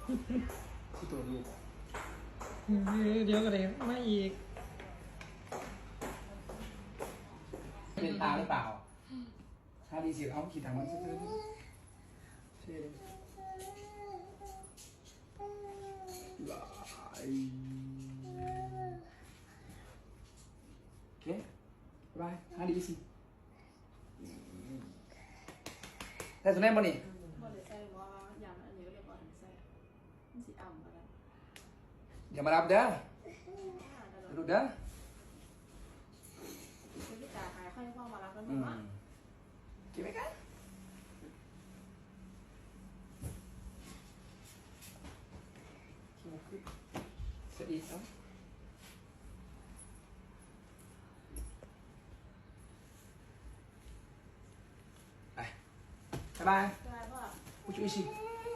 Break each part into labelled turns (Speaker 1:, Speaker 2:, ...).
Speaker 1: ที่ตัวลูก
Speaker 2: เดี๋ยวก็เลยไม่อีก
Speaker 1: เป็นตาหรือเปล่าถ้าดีเสียเอาขีดทางมันสักนิดเช่เลยหลายโอเคบายถ้าดีสิแต่สุดแน่บ่นี่
Speaker 3: บ่ได้ใส่ว่าอย่างอันนี้ก็เรียกว่าหันใส่มันสิอ่ำก็ได้
Speaker 1: อย่ามารับเด้อดูเด้อ
Speaker 3: พี่จ๋าหายค่อยพ่อมารับแล้วหนูว่า
Speaker 1: กินไหมกันสวัสดีครับไปบ๊ายบาย
Speaker 3: ได้พ่อ
Speaker 1: ผู้ช่วยสิ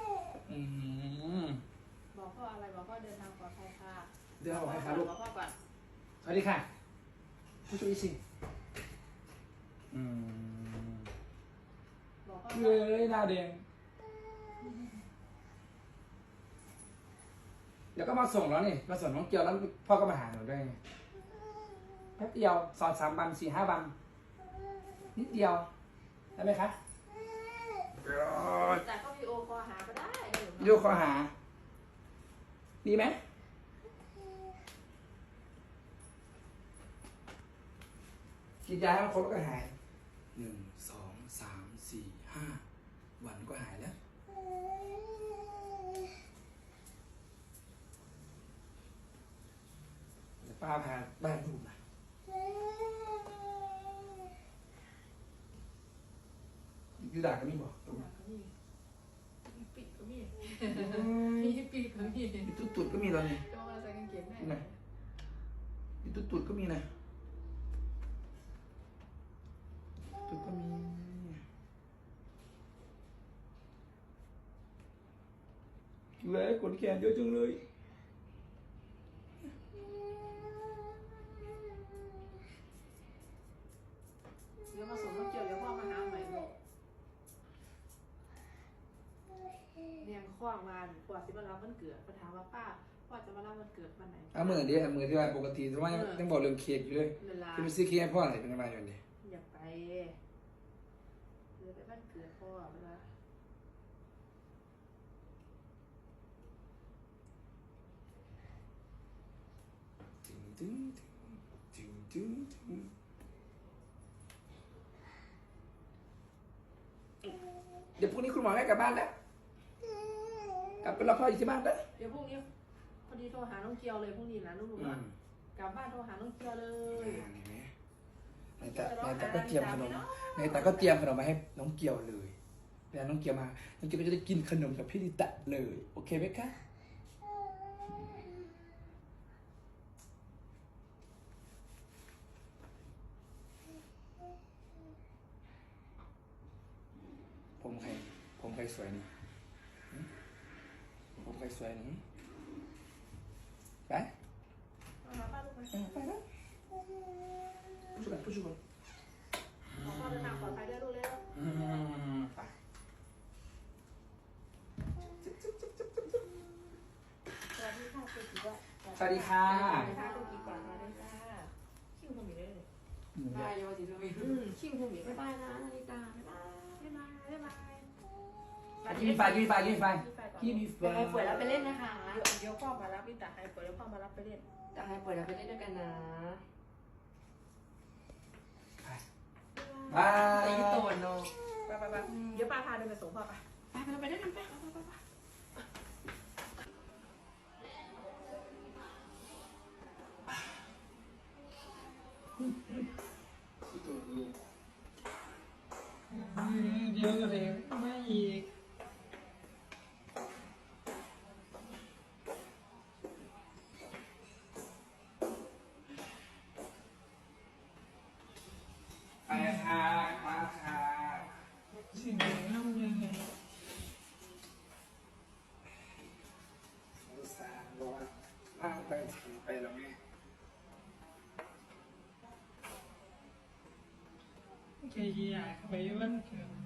Speaker 3: บอกพ่ออะไรบอกพ่อเดินทางปลอดภัยค่ะ
Speaker 1: เดินทางปลอดภัยค่ะลูก
Speaker 3: บอกพ่อก่อน
Speaker 1: สวัสดีค่ะผู้ช่วยสิ
Speaker 3: บอกพ่อ
Speaker 1: เลยหน้าแดงเดี๋ยวก็มาส่งแล้วนี่มาส่งน้องเกียวแล้วพ่อก็มาหาหนูด้วยแป๊บเดียว2-3 วัน4-5 วันนิดเดียวได้ไหมคะ
Speaker 3: แต่ก็วิดีโอคอลหาก็ได้
Speaker 1: วิดีโอคอลหาดีไหมกินยาให้มันครบแล้วก็หาย1-2-3-4-5 วันก็หายแล้วป้าพาบ้านดูมายูดาก็มีบอกตรงนี้
Speaker 3: ปิดก็มีมีปิดก็มี
Speaker 1: ตุดก็มีตอนนี้
Speaker 3: ก็มาใส่กางเกงแม่
Speaker 1: ตุดก็มีนะตุดก็มีเลยขนแขนเยอะจังเลย
Speaker 3: เดี๋ยวมาส่งน้องเกียวเดี๋ยวพ่อมาหาใหม่ลูกเรียงข้องมาปวดสิมารับวันเกิดปัญหาว่าป้าพ่อจะมารับวันเกิดวันไหน
Speaker 1: เอามือที่ว่าปกติทำไมต้องบอกเรื่องเค้กอยู่เลยคือไปซื้อเค้กให้พ่ออะไรเป็นอะไรอย่างนี้
Speaker 3: อยากไปหรือไปบ้านเกิดพ่อเวลา
Speaker 1: เดี๋ยวพรุ่งนี้คุณหมอให้กลับบ้านแล้วกลับไปรอพ่ออยู่ที่บ้านแล้ว
Speaker 3: เดี๋ยวพรุ่งนี้พอดีโทรหาน้องเกียวเลยพรุ่งนี้นะลูกกลับบ้านโทรหาน้องเกียวเลย
Speaker 1: ในแต่ก็เตรียมขนมในแต่ก็เตรียมขนมมาให้น้องเกียวเลยเวลาน้องเกียวมาน้องเกียวก็จะได้กินขนมกับพี่ลิตะเลยโอเคไหมคะผมใครสวยนี่ผมใครสวยนี่ไปไปแล้วผู้ช่วย
Speaker 3: พ่อเดินทางปลอดภัยด้วยลูกเร็ว
Speaker 1: ไป
Speaker 3: สวัสดีค่ะคุณกิ๊ก
Speaker 1: สวัสดีค่ะ
Speaker 3: สวัสดีค่ะคุณกิ๊กก่อนมาด้วยจ้าคิวคุณมีด้วยเลยได้ยอดจีซูมิคิวคุณมีบ๊ายบายนะนาฬิกาบ๊ายบายบ๊ายบาย
Speaker 1: กินไฟเ
Speaker 3: ปิดแล้วไปเล่นนะคะเดี๋ยวพ่อมารับพี่ตาให้เปิดแล้วพ่อมารับไปเล่นตาให้เปิดแล้วไปเล่นด้วยกันนะ
Speaker 1: ไป
Speaker 3: ตีโตนเนาะไปเดี๋ยวป้าพาเดินไปส่งพ่อไปด้วยกันไป
Speaker 2: เดี๋ยวก็เลยไม่อีก
Speaker 1: ไปค่ะมาค่ะ
Speaker 2: สิ่งไหนทำยังไง
Speaker 1: อุตส่าห์บอกว่าพาไปแล้วไง
Speaker 2: แค่อยากไปวันเกิด